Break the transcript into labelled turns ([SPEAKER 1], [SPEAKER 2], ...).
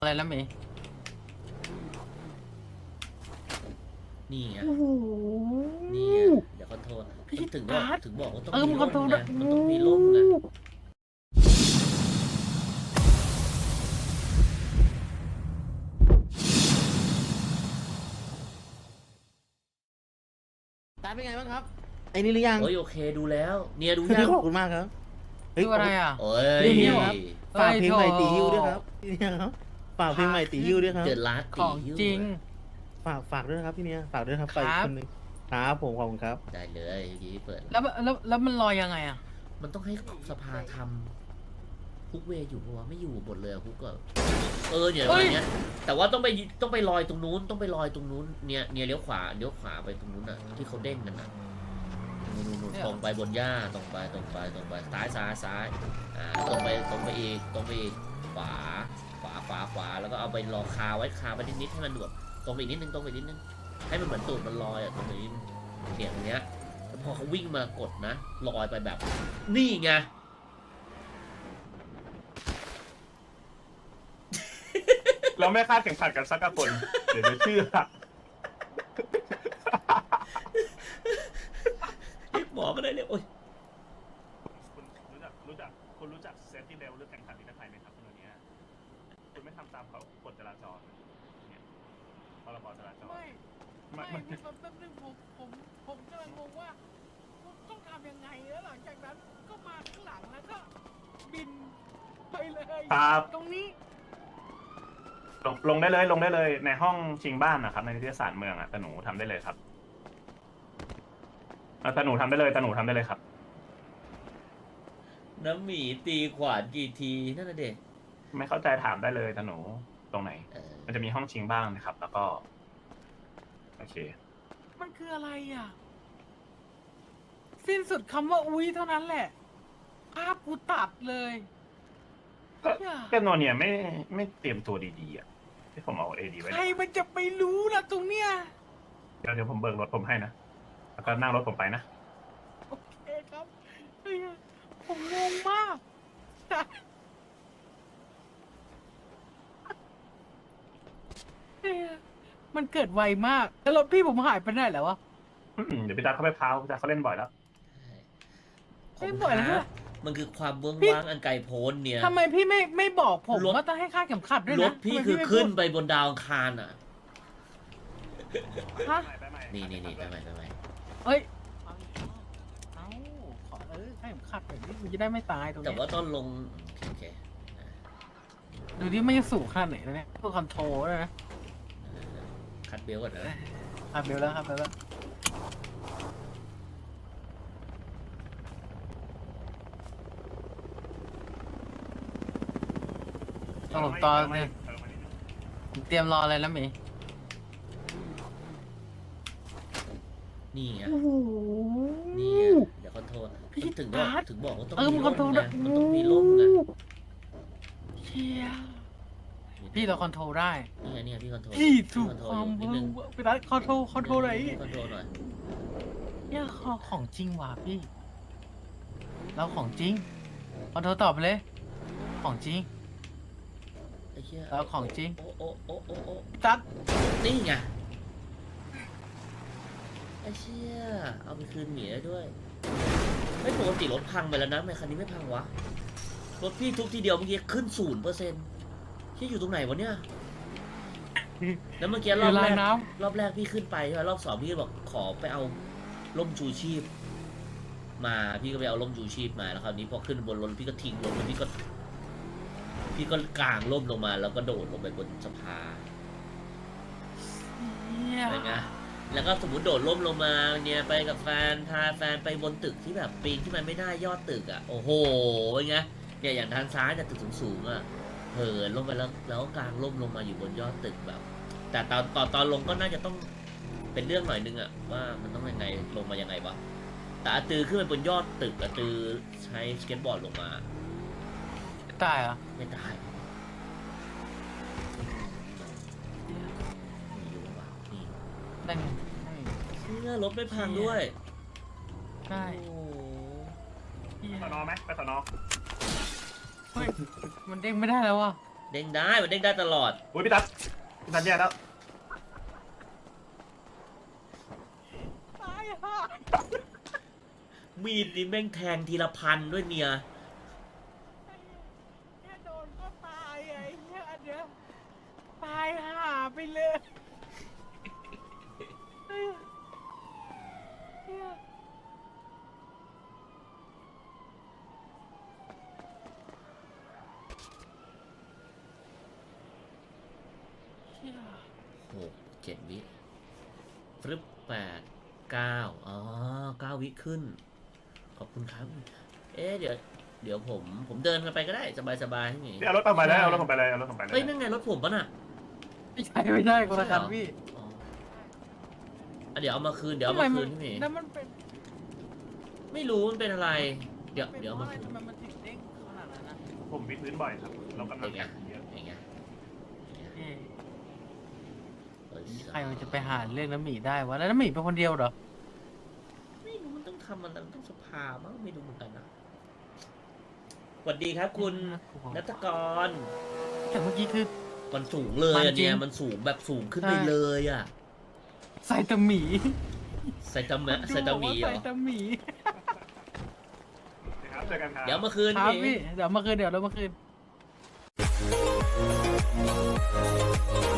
[SPEAKER 1] อะไรแล้วเมย์
[SPEAKER 2] นี่ไง
[SPEAKER 3] โอ้โห
[SPEAKER 2] นี่ไงเดี๋ยวคอนโทรล
[SPEAKER 1] พี่
[SPEAKER 2] ถึง
[SPEAKER 1] ตา
[SPEAKER 2] บอกว่าต้อง
[SPEAKER 1] มึ
[SPEAKER 2] มี
[SPEAKER 1] งค
[SPEAKER 2] ร่
[SPEAKER 1] อนโทรล
[SPEAKER 2] ม
[SPEAKER 1] ด้
[SPEAKER 2] ไง
[SPEAKER 1] วย
[SPEAKER 2] มันต้องมีร่มไง
[SPEAKER 3] ตาเป็นไงบ้างครับไอ้นี่หรือยัง
[SPEAKER 2] โอ้ยโอเคดูแล้วเนี่ยดู
[SPEAKER 3] ข
[SPEAKER 2] ยัง
[SPEAKER 3] อบคุณมากครับเฮ้ย
[SPEAKER 1] ดูอะไรอ่ะ
[SPEAKER 2] โอ้
[SPEAKER 3] เรื่
[SPEAKER 2] ย
[SPEAKER 3] องนี้ครับ ฝากเพลงใหม่ตีฮิ้วด้วย
[SPEAKER 1] โถ
[SPEAKER 3] ครับพี่เนี่ยครับฝากเพลงใหม่ตีฮิ้วด้วยครับ
[SPEAKER 2] เกิดร้าน
[SPEAKER 1] ข
[SPEAKER 2] ตี
[SPEAKER 1] อง
[SPEAKER 2] หิ้ว
[SPEAKER 1] จริง
[SPEAKER 3] ฝากด้วยนะครับพี่เนี่ยฝากด้วยครับ
[SPEAKER 1] ค
[SPEAKER 3] ไป
[SPEAKER 1] รับ
[SPEAKER 3] คนหนึงครับผมขอบคุณครับ
[SPEAKER 2] ได้เลยเมื่อกี้เปิด
[SPEAKER 1] แล้วมันลอยยังไงอ่ะ
[SPEAKER 2] มันต้องให้สภาทำฮุกเวย์อยู่ปะวะไม่อยู่หมดเลยฮุกก็เนี่ย
[SPEAKER 1] เฮ้
[SPEAKER 2] วัน
[SPEAKER 1] ย
[SPEAKER 2] เนี้ยแต่ว่าต้องไปลอยตรงนู้นต้องไปลอยตรงนู้นเนี่ยเลี้ยวขวาไปตรงนู้นอ่ะที่เขาเด้งกันอ่ะนู่นตรงไปบนหญ้าตรงไปซ้ายตรงไปอีกขวาแล้วก็เอาไปรอคาไว้คาไปนิดๆให้มันแบบตรงไปอีกนิดนึงให้มันเหมือนตูดมันลอยอ่ะตรงนี้เนี่ยตรงเนี้ยแล้วพอเขาวิ่งมากดนะลอยไปแบบนี่ไง
[SPEAKER 4] เราไม่คาดเข็มขัดกันสักคนเดี๋ยวจะเชื่อ
[SPEAKER 2] เรียกหมอก็ได้เลยโอ้ย
[SPEAKER 4] คุณรู้จักเซฟตี้เบลหรือแข่งขันนิรภัยไหมครับคนนี้คุณไม่ทำตามเขากฎจราจรเนี่ยพรบจราจร
[SPEAKER 5] ไม่พี่แป๊บนึงผมกำลังงงว่าต้องทำยังไงแล้วหลังจากนั้นก็มาข้างหลังแล้วก็บินไปเลย
[SPEAKER 4] ครับ
[SPEAKER 5] ตรงนี้
[SPEAKER 4] ลงได้เลยในห้องชิงบ้านนะครับในนิตยสารเมืองอ่ะตาหนูทำได้เลยครับตาหนูทำได้เลยครับ
[SPEAKER 2] น้ำหมีตีขวานกี่ทีนั่นน่ะเด็ก
[SPEAKER 4] ไม่เข้าใจถามได้เลยตาหนูตรงไหน มันจะมีห้องชิงบ้างนะครับ แล้วก็โอเค
[SPEAKER 5] มันคืออะไรอ่ะ สิ้นสุดคำว่าอุ้ยเท่านั้นแหละ ภาพกูตัดเลย
[SPEAKER 4] ก็โนเนี่ยไม่เตรียมตัวดีๆอ่ะที่ผมเอาเอดีไว้
[SPEAKER 5] ใครมันจะไปรู้ล่ะตรงเนี้ย
[SPEAKER 4] เดี๋ยวผมเบิกรถผมให้นะแล้วก็นั่งรถผมไปนะ
[SPEAKER 5] โอเคครับเฮ้ยผมงงมากเฮ้ยมันเกิดไวมาก แล้วรถพี่ผมหายไปไหนแล้ววะ
[SPEAKER 4] เดี๋ยวพี่ตาเขาไปพาวพี่ตาเขาเล่นบ่อยแล้ว
[SPEAKER 5] ไม่บ่อยแล้ว
[SPEAKER 2] มันคือความเบื้อง
[SPEAKER 5] พี่
[SPEAKER 2] ว่างอันไกลโพ้นเนี่ย
[SPEAKER 5] ทำไมพี่ไม่บอกผม
[SPEAKER 2] รถ
[SPEAKER 5] ว่าต้องให้ค่าดเข็มขัดด้วย
[SPEAKER 2] ร
[SPEAKER 5] นะ
[SPEAKER 2] ถพี่
[SPEAKER 5] ทำไม
[SPEAKER 2] คือ
[SPEAKER 5] ไม่
[SPEAKER 2] ขึ้น
[SPEAKER 5] พูด
[SPEAKER 2] ไปบนดาวอังคารอ่ะ
[SPEAKER 5] ฮะ
[SPEAKER 2] นี่ไปใหม่
[SPEAKER 5] เอ้ยเอาขอค่าดเข็มขัดแบบนี้มันจะได้ไม่ตายตรง
[SPEAKER 2] แต่
[SPEAKER 5] เนี้ย
[SPEAKER 2] ว่าตอนลงโอเค
[SPEAKER 5] ดูดิมันจะสูงขนาดไหนแล้วเนี่ยเพื่อคอนโทรลด้วยนะ
[SPEAKER 2] คัดเบลก่อนนะ
[SPEAKER 5] ครับเบลแล้วครับเบลแล้วผมตอนเนี่ยผมเตรียมรออะไรแล้วเมย์
[SPEAKER 2] นี่ไง
[SPEAKER 3] โอ้โห
[SPEAKER 2] นี่ไงเดี๋ยวคอนโทรล
[SPEAKER 5] พี่
[SPEAKER 2] ถึง
[SPEAKER 5] ตา
[SPEAKER 2] บอกว่าต้อง
[SPEAKER 5] มึ
[SPEAKER 2] มี
[SPEAKER 5] งคอนโทรล
[SPEAKER 2] ร่ม
[SPEAKER 5] ด้
[SPEAKER 2] ไง
[SPEAKER 5] วย
[SPEAKER 2] มันต้องมีร่มไง
[SPEAKER 5] เชี่ยพี่เราคอนโทรลได้
[SPEAKER 2] นี่ไงพี่คอนโทรล
[SPEAKER 5] พี่ถูก
[SPEAKER 2] คอนโทร
[SPEAKER 5] ความ
[SPEAKER 2] ลนิดนึง
[SPEAKER 5] ไปรัดคอนโทรลไหน
[SPEAKER 2] คอนโทรลหน่อย
[SPEAKER 5] เนี่ยของจริงว่ะพี่ เราของจริงคอนโทรลตอบไปเลย ของจริง
[SPEAKER 2] ไอ้เหี้ย
[SPEAKER 5] แล้วของจริง
[SPEAKER 2] โอ้
[SPEAKER 5] จัด
[SPEAKER 2] นี่ไงไอ้เชี่ยเอาไปคืนหมีได้ด้วยไม่ปกติรถพังไปแล้วนะทำไมคันนี้ไม่พังวะรถพี่ทุบทีเดียวเมื่อกี้ขึ้น0%ที่อยู่ตรงไหนวะเนี่ยแล้วเมื่อกี้ร
[SPEAKER 5] คื
[SPEAKER 2] อ
[SPEAKER 5] อบ ลา
[SPEAKER 2] แร
[SPEAKER 5] ย
[SPEAKER 2] ก
[SPEAKER 5] น้
[SPEAKER 2] รอบแรกพี่ขึ้นไปใช่ไหมรอบสองพี่ก็บอกขอไปเอาร่มชูชีพ มาพี่ก็ไปเอาร่มชูชีพมาแล้วคราวนี้พอขึ้นบนรถพี่ก็ทิ้งรถแล้วพี่ก็กางร่มลงมาแล้วก็โดดลงไปบนสะพาน
[SPEAKER 5] ำเนี่ย
[SPEAKER 2] อะไรเงี้ยแล้วก็สมมติโดดร่มลงมาเนี่ยไปกับแฟนพาแฟนไปบนตึกที่แบบปีนที่มันไม่ได้ยอดตึกอ่ะโอ้โหเป็นไงเนี่ยอย่างทางซ้ายแต่ยตึกสูงๆอ่ะเหินลงไปแล้วก็กางร่มลงมาอยู่บนยอดตึกแบบ แต่ตอนลงก็น่าจะต้องเป็นเรื่องหน่อยนึงอ่ะว่ามันต้องยังไงลงมายังไงวะแต่อาตือขึ้นไปบนยอดตึกอาตือใช้สเก็ตบอร์ดลงมา
[SPEAKER 5] ตายเหรอ
[SPEAKER 2] ไม่ได้นี่อยู่วะนี่
[SPEAKER 5] นั่นไง
[SPEAKER 2] เชื่อรถไม่พังด้วย
[SPEAKER 5] ใช่
[SPEAKER 2] โอ้โห
[SPEAKER 5] เหี้ย
[SPEAKER 4] สนอไหมไปสนอ
[SPEAKER 5] เฮ้ยมันเด้งไม่ได้แล้วว่ะ
[SPEAKER 2] เด้งได้มันเด้งได้ตลอด
[SPEAKER 4] โอ้ยพี่ตั๊ดแย่แล้ว
[SPEAKER 5] ตายห่า
[SPEAKER 2] มีดนี่แม่งแทงทีละพันด้วยเนี่ย
[SPEAKER 5] แค่โดนก็ตายไอ้เหี้ยอันเนี้ยตายห่าไปเลยเหี้ย
[SPEAKER 2] หกเจ็ดวิฟรึบแปดเก้าอ๋อเก้าวิขึ้น ขอบคุณครับ เอ๊ะเดี๋ยวผมเดินกันไปก็ได้สบายๆที่นี่
[SPEAKER 4] นี่เอารถผมไปแล้วเอารถผมไปเลยเอารถผมไปเลย
[SPEAKER 2] เฮ้ยนั่นไงรถผมปะน่ะ
[SPEAKER 1] ไม่ใช่ไม่ใช่คนละคันพี่
[SPEAKER 2] อ๋ออ่ะเดี๋ยวเอามาคืนที่นี่
[SPEAKER 5] แล้วมันเป็น
[SPEAKER 2] ไม่รู้มันเป็นอะไร เดี๋ยวเอามา
[SPEAKER 5] พระ
[SPEAKER 2] คืน
[SPEAKER 5] ทำไมมันถึงเด้งขนาดนั้นนะ
[SPEAKER 4] ผมวิดพื้นบ่อยครับเรากำลังแข่งเยอะ
[SPEAKER 2] อย่างเงี้ย
[SPEAKER 1] เอ๊ะ
[SPEAKER 2] เอ้ย
[SPEAKER 1] ใครมันจะไปหาเรื่องน้ำหมีได้วะแล้วน้ำหมีเป็นคนเดียวเหรอ
[SPEAKER 2] ไม่รู้มันต้องทำอะไรมันต้องสภามั้งไม่รู้เหมือนกันนะสวัสดีครับคุณนัทกร
[SPEAKER 1] แต่เมื่อกี้คือ
[SPEAKER 2] มันสูงเลย
[SPEAKER 1] มัน
[SPEAKER 2] อัน
[SPEAKER 1] จริง
[SPEAKER 2] เนี้ยมันสูงแบบสูงขึ้นไป
[SPEAKER 1] ใช่
[SPEAKER 2] เลยอ่ะ
[SPEAKER 1] ใส่ตะหมี
[SPEAKER 2] ไซตามะไซตามีเหร
[SPEAKER 1] ใส่
[SPEAKER 2] อ
[SPEAKER 1] ตะหมี
[SPEAKER 4] นะครับเจอกันครับ
[SPEAKER 2] เดี๋ยวมาคืน
[SPEAKER 1] ครับ
[SPEAKER 2] พี่
[SPEAKER 1] พี่เดี๋ยวมาคืน